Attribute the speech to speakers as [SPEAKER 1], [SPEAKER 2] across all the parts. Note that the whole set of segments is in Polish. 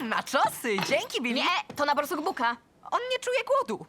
[SPEAKER 1] Naczosy! Dzięki, Billy!
[SPEAKER 2] Nie, to na borsuk Buka.
[SPEAKER 1] On nie czuje głodu.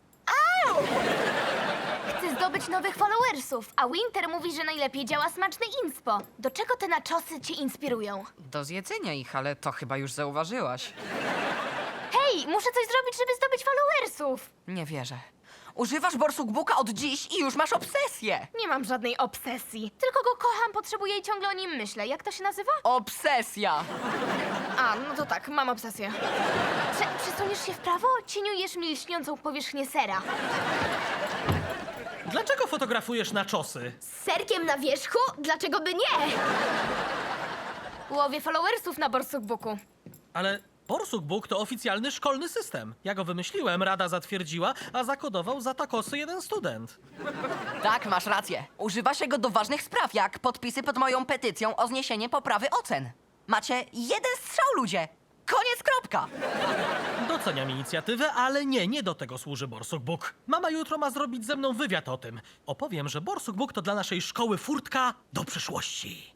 [SPEAKER 2] Chcę zdobyć nowych followersów, a Winter mówi, że najlepiej działa smaczne inspo. Do czego te naczosy cię inspirują?
[SPEAKER 1] Do zjedzenia ich, ale to chyba już zauważyłaś.
[SPEAKER 2] Hej, muszę coś zrobić, żeby zdobyć followersów.
[SPEAKER 1] Nie wierzę. Używasz borsukbuka od dziś i już masz obsesję.
[SPEAKER 2] Nie mam żadnej obsesji. Tylko go kocham, potrzebuję i ciągle o nim myślę. Jak to się nazywa?
[SPEAKER 1] Obsesja!
[SPEAKER 2] A, no to tak, mam obsesję. Przesuniesz się w prawo? Cieniujesz mi lśniącą powierzchnię sera.
[SPEAKER 3] Dlaczego fotografujesz naczosy?
[SPEAKER 2] Z serkiem na wierzchu? Dlaczego by nie? Łowię followersów na borsukbuku.
[SPEAKER 3] Ale Borsuk to oficjalny szkolny system. Ja go wymyśliłem, rada zatwierdziła, a zakodował za takosy jeden student.
[SPEAKER 1] Tak, masz rację. Używa się go do ważnych spraw, jak podpisy pod moją petycją o zniesienie poprawy ocen. Macie jeden strzał, ludzie. Koniec, kropka.
[SPEAKER 3] Doceniam inicjatywę, ale nie do tego służy Borsuk. Mama jutro ma zrobić ze mną wywiad o tym. Opowiem, że Borsuk to dla naszej szkoły furtka do przyszłości.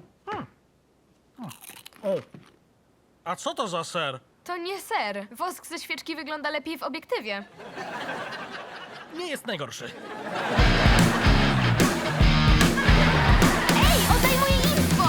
[SPEAKER 3] A co to za ser?
[SPEAKER 2] To nie ser. Wosk ze świeczki wygląda lepiej w obiektywie.
[SPEAKER 3] Nie jest najgorszy.
[SPEAKER 2] Ej, oddaj moje info!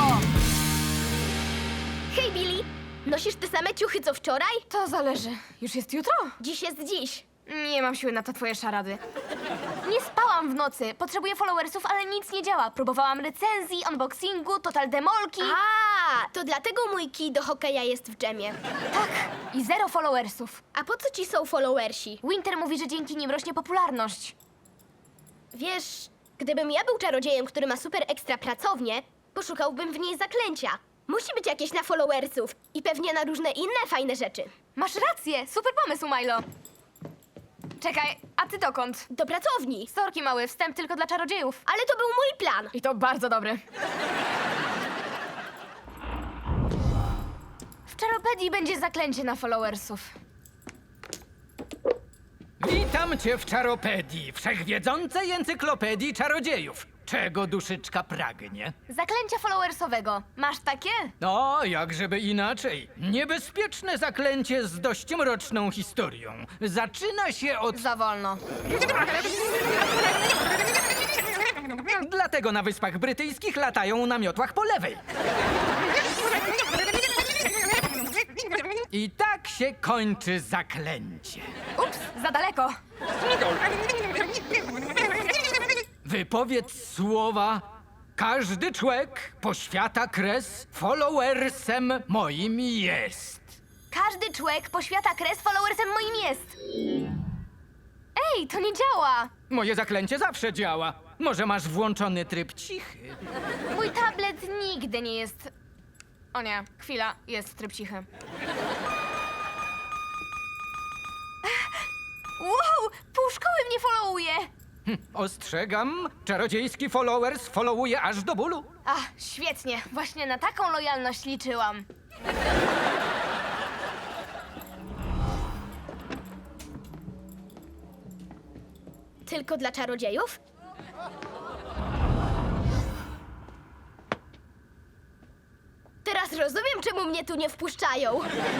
[SPEAKER 2] Hej, Billy! Nosisz te same ciuchy co wczoraj? To zależy. Już jest jutro? Dziś jest dziś. Nie mam siły na to twoje szarady. Nie spałam w nocy. Potrzebuję followersów, ale nic nie działa. Próbowałam recenzji, unboxingu, total demolki.
[SPEAKER 4] A, to dlatego mój kij do hokeja jest w dżemie.
[SPEAKER 2] Tak, i zero followersów.
[SPEAKER 4] A po co ci są followersi?
[SPEAKER 2] Winter mówi, że dzięki nim rośnie popularność.
[SPEAKER 4] Wiesz, gdybym ja był czarodziejem, który ma super ekstra pracownię, poszukałbym w niej zaklęcia. Musi być jakieś na followersów i pewnie na różne inne fajne rzeczy.
[SPEAKER 2] Masz rację, super pomysł, Milo. Czekaj, a ty dokąd?
[SPEAKER 4] Do pracowni.
[SPEAKER 2] Sorki, mały, wstęp tylko dla czarodziejów.
[SPEAKER 4] Ale to był mój plan.
[SPEAKER 2] I to bardzo dobry. W Czaropedii będzie zaklęcie na followersów.
[SPEAKER 5] Witam cię w Czaropedii, wszechwiedzącej encyklopedii czarodziejów. Czego duszyczka pragnie?
[SPEAKER 2] Zaklęcia followersowego. Masz takie?
[SPEAKER 5] No, jak żeby inaczej. Niebezpieczne zaklęcie z dość mroczną historią. Zaczyna się od...
[SPEAKER 2] Za wolno.
[SPEAKER 5] Dlatego na Wyspach Brytyjskich latają na miotłach po lewej. I tak się kończy zaklęcie.
[SPEAKER 2] Ups, za daleko.
[SPEAKER 5] Wypowiedz słowa. Każdy człowiek poświata kres, followersem moim jest.
[SPEAKER 2] Każdy człowiek poświata kres followersem moim jest. Ej, to nie działa.
[SPEAKER 5] Moje zaklęcie zawsze działa. Może masz włączony tryb cichy?
[SPEAKER 2] Mój tablet nigdy nie jest... O nie, chwila, jest tryb cichy. Wow, pół szkoły mnie followuje.
[SPEAKER 5] Ostrzegam, czarodziejski followers followuje aż do bólu.
[SPEAKER 2] Ach, świetnie, właśnie na taką lojalność liczyłam.
[SPEAKER 4] Tylko dla czarodziejów? Teraz rozumiem, czemu mnie tu nie wpuszczają.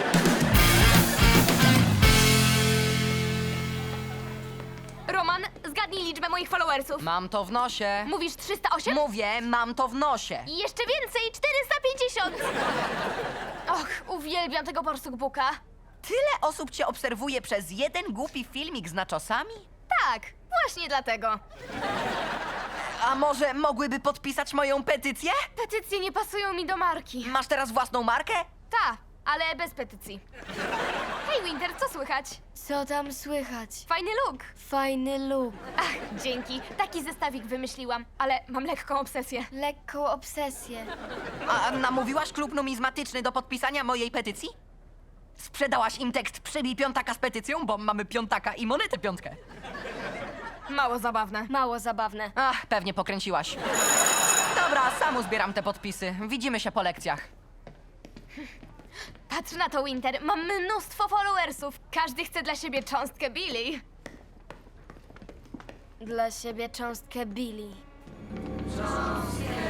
[SPEAKER 2] Roman, zgadnij liczbę moich followersów.
[SPEAKER 1] Mam to w nosie.
[SPEAKER 2] Mówisz 308?
[SPEAKER 1] Mówię, mam to w nosie.
[SPEAKER 2] I jeszcze więcej, 450! Och, uwielbiam tego borsukbuka.
[SPEAKER 1] Tyle osób cię obserwuje przez jeden głupi filmik z naczosami?
[SPEAKER 2] Tak, właśnie dlatego.
[SPEAKER 1] A może mogłyby podpisać moją petycję?
[SPEAKER 2] Petycje nie pasują mi do marki.
[SPEAKER 1] Masz teraz własną markę?
[SPEAKER 2] Ta, ale bez petycji. Hej, Winter, co słychać?
[SPEAKER 6] Co tam słychać?
[SPEAKER 2] Fajny look.
[SPEAKER 6] Fajny look.
[SPEAKER 2] Ach, dzięki. Taki zestawik wymyśliłam, ale mam lekką obsesję.
[SPEAKER 6] Lekką obsesję.
[SPEAKER 1] A namówiłaś klub numizmatyczny do podpisania mojej petycji? Sprzedałaś im tekst Przybij piątaka z petycją, bo mamy piątaka i monetę piątkę.
[SPEAKER 2] Mało zabawne.
[SPEAKER 6] Mało zabawne.
[SPEAKER 1] Ach, pewnie pokręciłaś. Dobra, sam uzbieram te podpisy. Widzimy się po lekcjach.
[SPEAKER 2] Patrz na to, Winter. Mam mnóstwo followersów. Każdy chce dla siebie cząstkę Billy.
[SPEAKER 6] Dla siebie cząstkę Billy.